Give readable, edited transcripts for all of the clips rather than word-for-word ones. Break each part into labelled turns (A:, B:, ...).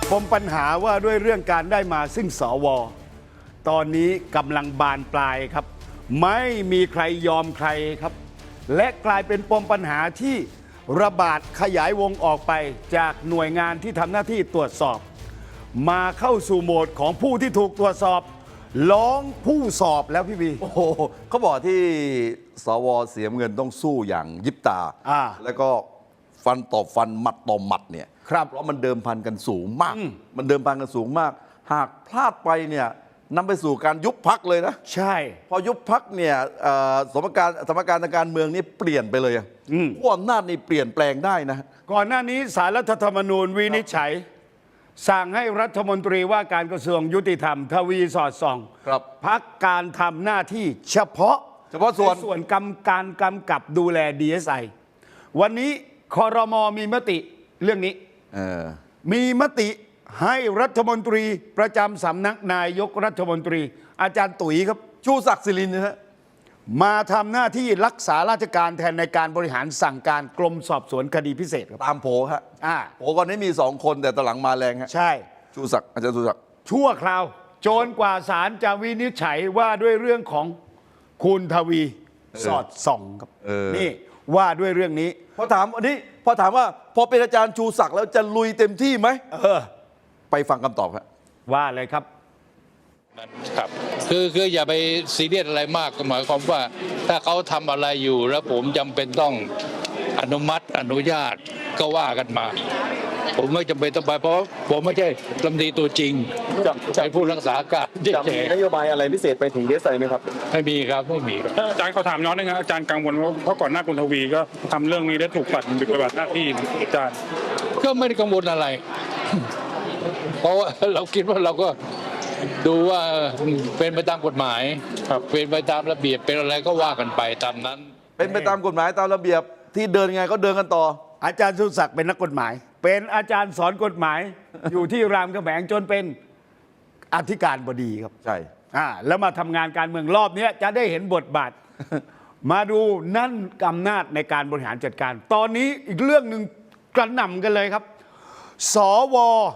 A: ปมปัญหาว่าด้วยเรื่องการได้มาซึ่งสวตอนนี้กำลังบานปลายครับไม่มีใครยอมใครครับและกลายเป็นปมปัญหาที่ระบาดขยายวงออกไปจากหน่วยงานที่ทำหน้าที่ตรวจสอบมาเข้าสู่โหมดของผู้ที่ถูกตรวจสอบร้องผู้สอบแล้วพี่บี
B: โอ้โหเขาบอกที่สวเสียเงินต้องสู้อย่างยิบตา แล้วก็ฟันต่อฟันหมัดต่อหมัดเนี่ย
A: ครับ
B: เพราะมันเดิมพันกันสูงมาก มันเดิมพันกันสูงมาก หากพลาดไปเนี่ยนำไปสู่การยุบพักเลยนะ
A: ใช่
B: พอยุบพักเนี่ยสมการทางการเมืองนี่เปลี่ยนไปเลยขั้วอำนาจนี่เปลี่ยนแปลงได้นะ
A: ก่อนหน้านี้ศาลรัฐธรรมนูญวินิจฉัย สั่งให้รัฐมนตรีว่าการกระทรวงยุติธรรมทวีสอดส่อง
B: ครับ
A: พักการทำหน้าที่เฉพาะ
B: ส่วน
A: ในส่วนการกำกับดูแล DSI วันนี้ครม.มีมติเรื่องนี้ มีมติให้รัฐมนตรีประจำสำนักนายกรัฐมนตรี อาจารย์ตุ๋ยครับ
B: ชูศักดิ์สิรินนะฮะ
A: มาทำหน้าที่รักษาราชการแทนในการบริหารสั่งการกรมสอบสวนคดีพิเศษครับ
B: ตามโผฮะ
A: อ่า
B: โผก่อนนี้มี2 คนแต่ตอนหลังมาแรงฮะ
A: ใช่
B: ชูศักดิ์อาจารย์ชูศักดิ์
A: ชั่วคราวโจนกว่าศาลจะวินิจฉัยว่าด้วยเรื่องของคุณทวีสอดส่องครับนี่ว่าด้วยเรื่องนี้
B: พอถามว่าพอเป็นอาจารย์ชูศักดิ์แล้วจะลุยเต็มที่ไหมไปฟังคำตอบครับ
A: ว่าเลยครับ
C: ครับคืออย่าไปซีเรียสอะไรมากหมายความว่าถ้าเขาทำอะไรอยู่แล้วผมจำเป็นต้องอนุมัติอนุญาตก็ว่ากันมา ผมไม่จำเป็นต้องไปเพราะผมไม่ใช่รัฐมนตรีตัวจริงใช้ผู้รักษาการ
D: จะมีนโยบายอะไรพิเศษไปถึงเดสไซไหมครับ
C: ไม่มีครับไม่มีครับ
E: อาจารย์เขาถามน้องนึงครับอาจารย์กังวลว่าเพราะก่อนหน้าคุณทวีก็ทำเรื่องนี้ได้ถูกปัดปฏิบัติหน้าที่อาจารย์
C: ก็ไม่ได้กังวลอะไร เพราะว่าเราคิดว่าเราก็ดูว่าเป็นไปตามกฎหมายเป็นไปตามระเบียบเป็นอะไรก็ว่ากันไปตามนั้น
B: เป็นไปตามกฎหมายตามระเบียบที่เดินไงก็เดินกันต่อ
A: อาจารย์สุศักดิ์เป็นนักกฎหมาย เป็นอาจารย์สอนกฎหมาย อยู่ที่รามคำแหงจนเป็นอธิการบดีครับ
B: ใช่
A: แล้วมาทำงานการเมืองรอบนี้จะได้เห็นบทบาท มาดูนั่นอำนาจในการบริหารจัดการ ตอนนี้อีกเรื่องหนึ่งกระหน่ำกันเลยครับ สว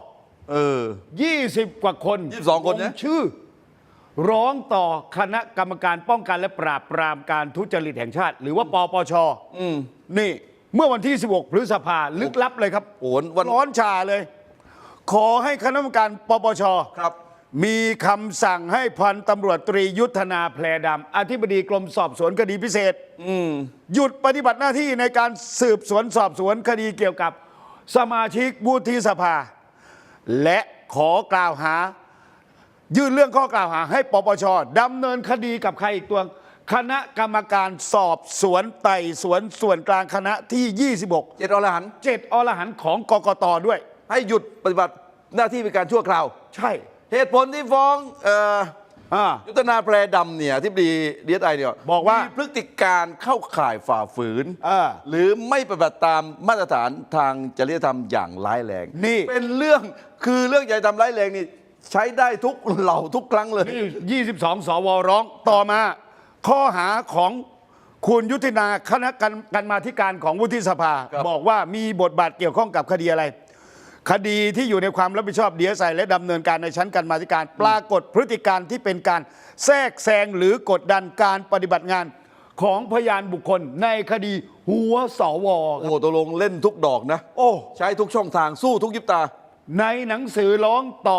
A: 20 กว่าคน
B: 22 คนนะ
A: ลงชื่อ ร้องต่อคณะกรรมการป้องกันและปราบปรามการทุจริตแห่งชาติ หรือว่าปปชนี่เมื่อวันที่ 16 พฤษภาลึกลับเลยครับ
B: โอ้โหวัน
A: ร้อนชาเลย ขอให้คณะกรรมการปปช
B: ครับ
A: มีคำสั่งให้พันตำรวจตรียุทธนาแพรดำอธิบดีกรมสอบสวนคดีพิเศษหยุดปฏิบัติหน้าที่ในการสืบสวนสอบสวนคดีเกี่ยวกับสมาชิกวุฒิสภา และขอกล่าวหา ยื่นเรื่องข้อกล่าวหาให้ปปชดำเนินคดีกับใครอีกตัวคณะกรรมการสอบสวนไต่สวนส่วนกลางคณะที่ 26
B: 7 อรหันต์
A: 7 อรหันต์ของกกตด้วย
B: ให้หยุดปฏิบัติหน้าที่เป็นการชั่วคราว
A: ใช่
B: เหตุผลที่ฟ้องยุทธนาแพรดำเนี่ยที่ดีไอเนี่ย
A: บอกว่า
B: พฤติการเข้าข่ายฝ่าฝืนหรือไม่ปฏิบัติตามมาตรฐานทางจริยธรรมอย่างร้ายแรง
A: นี่
B: เป็นเรื่องจริยธรรมร้ายแรงนี่ใช้ได้ทุกเหล่าทุกครั้งเลย
A: นี่22 สวร้องต่อมา ข้อหาของคุณยุทธนาคณะกรรมาธิการของวุฒิสภา
B: ครับ
A: บอกว่ามีบทบาทเกี่ยวข้องกับคดีอะไร คดีที่อยู่ในความรับผิดชอบดีเอสไอและดำเนินการในชั้นกรรมาธิการ ปรากฏพฤติการที่เป็นการแทรกแซงหรือกดดันการปฏิบัติงานของพยานบุคคลในคดีหัวสว
B: โอ้โหตกลงเล่นทุกดอกนะ
A: โอ้
B: ใช้ทุกช่องทางสู้ทุกยิบตา
A: ในหนังสือร้องต่อ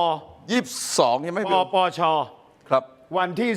B: 22ใช่ไหม
A: ป
B: พี่
A: ปช
B: ครับ
A: วันที่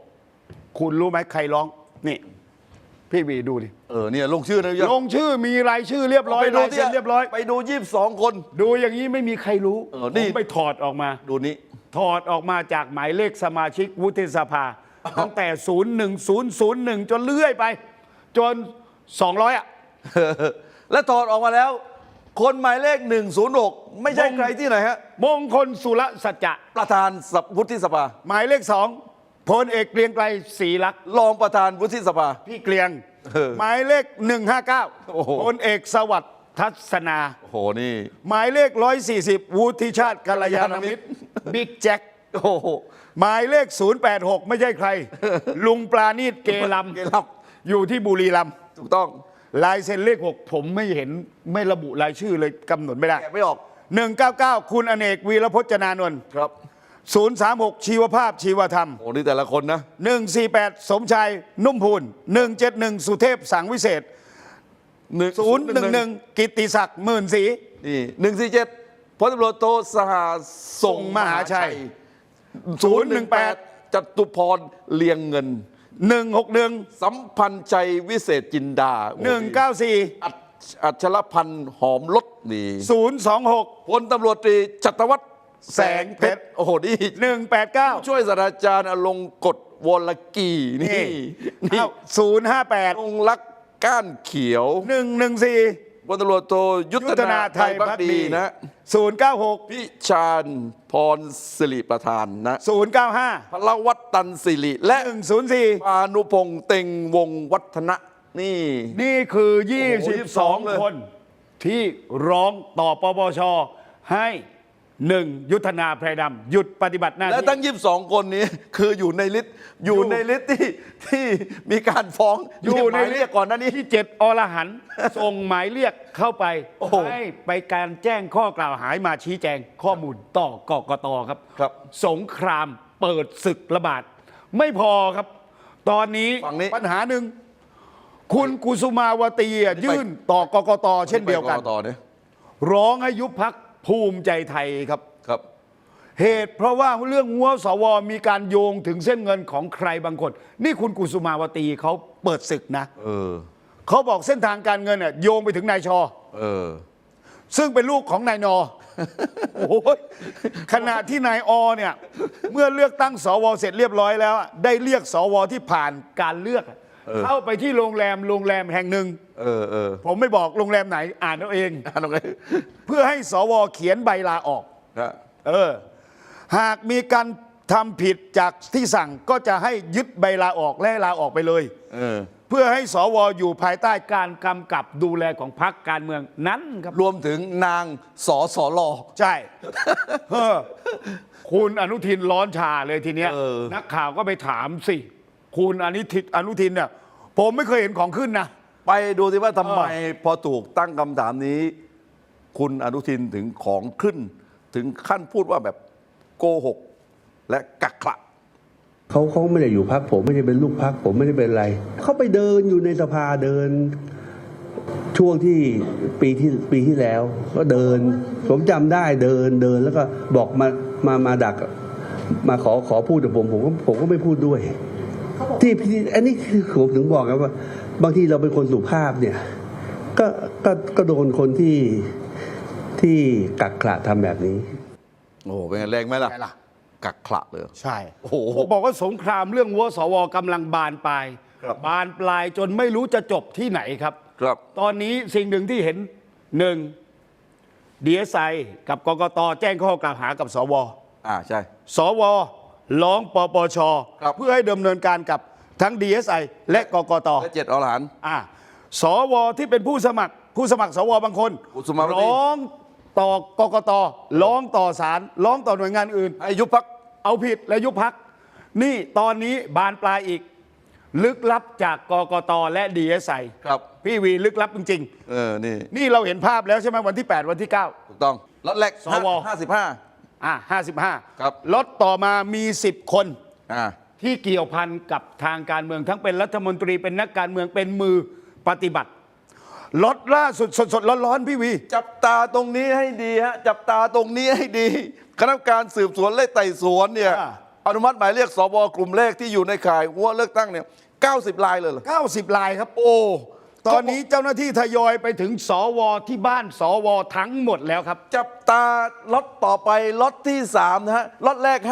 A: 16 คุณรู้ไหมใครร้องนี่พี่วีดูดิ
B: เนี่ยลงชื่อนะ
A: ลงชื่อมีรายชื่อเรียบร้อย
B: ไปดู
A: ลายเซ็นเรียบร้อย
B: ไปดู22 คน
A: ดูอย่างนี้ไม่มีใครรู้
B: นี่
A: ผมไปถอดออกมา
B: ดูนี้
A: ถอดออกมาจากหมายเลขสมาชิกวุฒิสภา ตั้งแต่ 01001 จนเลื่อยไป จน 200 อ่ะ
B: และถอดออกมาแล้ว คนหมายเลข 106 ไม่ใช่ใครที่ไหนฮะ
A: มงคลสุรสัจจะ
B: ประธานวุฒิสภา
A: หมายเลข 2พลเอกเกรียงไกรศรีลักษณ์
B: รองประธานวุฒิสภา
A: พี่เกรียง หมายเลข
B: โอ้โห
A: 159พลเอกสวัสดิ์ทัศนา
B: โอ้โหนี่
A: หมายเลข 140 วุฒิชาติกัลยาณมิตรบิ๊กแจ็ค
B: โอ้โห
A: หมายเลข 086 ไม่ใช่ใคร ลุงปราณีตเกลัม
B: เกลัม
A: อยู่ที่บุรีรัมย์
B: ถูกต้อง
A: ลายเซ็นเลข 6 ผมไม่เห็นไม่ระบุรายชื่อเลยกำหนดไม่ได้
B: แกะไม่ออก
A: 199 คุณอเนกวีรพจนานนท์
B: ครับ
A: 036 ชีวภาพชีวธรรม
B: โอ้นี่แต่ละคนนะ
A: 148 สมชายนุ่มพูน171 สุเทพสังวิเศษ 011 กิตติศักดิ์หมื่นศรี
B: นี่147พลตำรวจโทสหส่งมหาชัย 018 จตุพรเลียงเงิน
A: 161
B: สัมพันธ์ใจวิเศษจินดาโอ้นี่
A: 194
B: อัชรพันธ์หอมลดนี่
A: 026
B: พลตำรวจตรีชัตวัฒน์แสงเพชรโอ้โหนี่
A: 189
B: ช่วยศาสตราจารย์อลงกฎวรกีนี่นี่
A: 058
B: องค์ลักษณ์ก้านเขียว
A: 114
B: พลตำรวจโทยุทธนาไทยพักดีนะ
A: 096
B: พิชาญพรสิริประธานนะ
A: 095
B: พลวัตตันสิริและ
A: 104
B: พานุพงษ์เต็งวงวัฒนะนี่
A: นี่คือ
B: โอ้โห22เลย
A: 22 คนที่ร้องต่อปปชให้ยุทธนาแพรดำหยุดปฏิบัติหน้า
B: และ
A: ที่
B: ทั้ง22 คนนี้คืออยู่ในลิสต์ที่มีการฟ้อง
A: อยู่ใน
B: หมายเรียกก่อนหน้านี้
A: ที่7 อรหันต์ ส่งหมายเรียกเข้าไป
B: โอ้โห
A: ให้ไปการแจ้งข้อกล่าวหามาชี้แจงข้อมูลต่อกกตครับ
B: ครับ
A: สงครามเปิดศึกระบาด ไม่พอครับ ตอนนี้
B: ฝั่งนี้
A: ปัญหาหนึ่ง คุณกุสุมาวตียื่นต่อกกตเช่นเดียวกัน
B: ไปต่อเนี่ย
A: ร้องให้ยุบพักภูมิใจไทยครับ
B: ครับ
A: เหตุเพราะว่าเรื่องงัวสวมีการโยงถึงเส้นเงินของใครบางคน นี่คุณกุสุมาวตีเขาเปิดศึกนะ
B: เออ
A: เขาบอกเส้นทางการเงินโยงไปถึงนายชอ
B: เออ
A: ซึ่งเป็นลูกของนายนอ โอ้ยขณะที่นายอเนี่ย เมื่อเลือกตั้งสวเสร็จเรียบร้อยแล้ว ได้เรียกสวที่ผ่านการเลือก เข้าไปที่โรงแรมแห่งหนึ่ง
B: เออ
A: ผมไม่บอกโรงแรมไหนอ่านเอาเอง
B: ตรงไหน
A: เพื่อให้สวเขียนใบลาออก
B: นะ
A: หากมีการทำผิดจากที่สั่งก็จะให้ยึดใบลาออกและให้ลาออกไปเลย เพื่อให้สวอยู่ภายใต้การกำกับดูแลของพรรคการเมืองนั้นครับ
B: รวมถึงนางสสล
A: ใช่ คุณอนุทินร้อนชาเลยทีเนี้ย นักข่าวก็ไปถามสิ คุณอนุทินเนี่ยผมไม่เคยเห็นของขึ้นนะ
B: ไปดูสิว่าทำไมพอถูกตั้งคำถามนี้ คุณอนุทินถึงของขึ้น ถึงขั้นพูดว่าแบบโกหกและกักขระ
F: เขาไม่ได้อยู่พักผมไม่ได้เป็นลูกพักผมไม่ได้เป็นอะไรเขาไปเดินอยู่ในสภาเดินช่วงที่ปีที่แล้ว ก็เดินผมจำได้เดินแล้วก็บอกมาดักมาขอพูดกับผมก็ไม่พูดด้วยที่อันนี้คือผมถึงบอกครับว่า บางทีเราเป็นคนสุภาพเนี่ยก็โดนคนที่กักขระทำแบบนี้
B: โอ้โหเป็นไงแรงไหมล่ะ
A: ไงล่ะ
B: กักขระเลย
A: ใช่
B: โอ้โห
A: ผมบอกว่าสงครามเรื่องวัวสวกำลังบานปลาย
B: ครับ
A: บานปลายจนไม่รู้จะจบที่ไหนครับ
B: ครับ
A: ตอนนี้สิ่งหนึ่งที่เห็นหนึ่งดีเอสไอกับกกตแจ้งข้อกล่าวหากับสว
B: ใช่
A: สวร้องปปช
B: ครับ
A: เพื่อให้ดำเนินการกับทั้ง DSI และกกต
B: และ7 อรหันต์
A: สวที่เป็นผู้สมัครสวบางคน
B: กุสุมาวตี
A: ร้องต่อกกตร้องต่อศาลร้องต่อหน่วยงานอื่น
B: ให้ยุบพัก
A: เอาผิดและยุบพัก นี่ตอนนี้บานปลายอีก ลึกลับจากกกตและ DSI
B: ครับ
A: พี่วีลึกลับจริง
B: นี่
A: ๆ นี่เราเห็นภาพแล้วใช่ไหมวันที่ 8 วันที่ 9
B: ถูกต้องล็อตแรก
A: สว
B: 55
A: 55
B: ครับ
A: ล็อตต่อมามี 10 คน
B: อ่า
A: ที่เกี่ยวพันกับทางการเมืองทั้งเป็นรัฐมนตรีเป็นนักการเมืองเป็นมือปฏิบัติล็อตล่าสุดสดๆร้อนๆพี่วี
B: จับตาตรงนี้ให้ดีฮะจับตาตรงนี้ให้ดีคณะกรรมการสืบสวนและไต่สวนเนี่ยอนุมัติหมายเรียกสวกลุ่มเลขที่อยู่ในข่ายหัวเลือกตั้งเนี่ย90 ลายเลยเหรอ
A: 90 ลายครับ โอ้ตอนนี้เจ้าหน้าที่ทยอยไปถึงสวที่บ้านสวทั้งหมดแล้วครับ
B: จับตาล็อตต่อไปล็อตที่3นะฮะล็อตแรก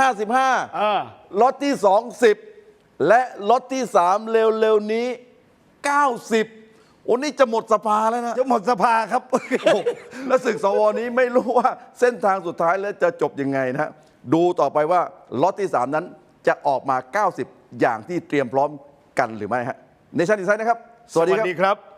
B: 55ล็อตที่2 10และล็อตที่3เร็วๆนี้90โอ้นี่จะหมดสภาแล้วนะ
A: จะหมดสภาครับ
B: โอ้แล้วศึกสวนี้ไม่รู้ว่าเส้นทางสุดท้ายแล้วจะจบยังไงนะฮะดูต่อไปว่าล็อตที่3นั้นจะออกมา90อย่างที่เตรียมพร้อมกันหรือไม่ฮะเนชั่นอินไซด์นะครับสวัสดีครับ
A: ครับ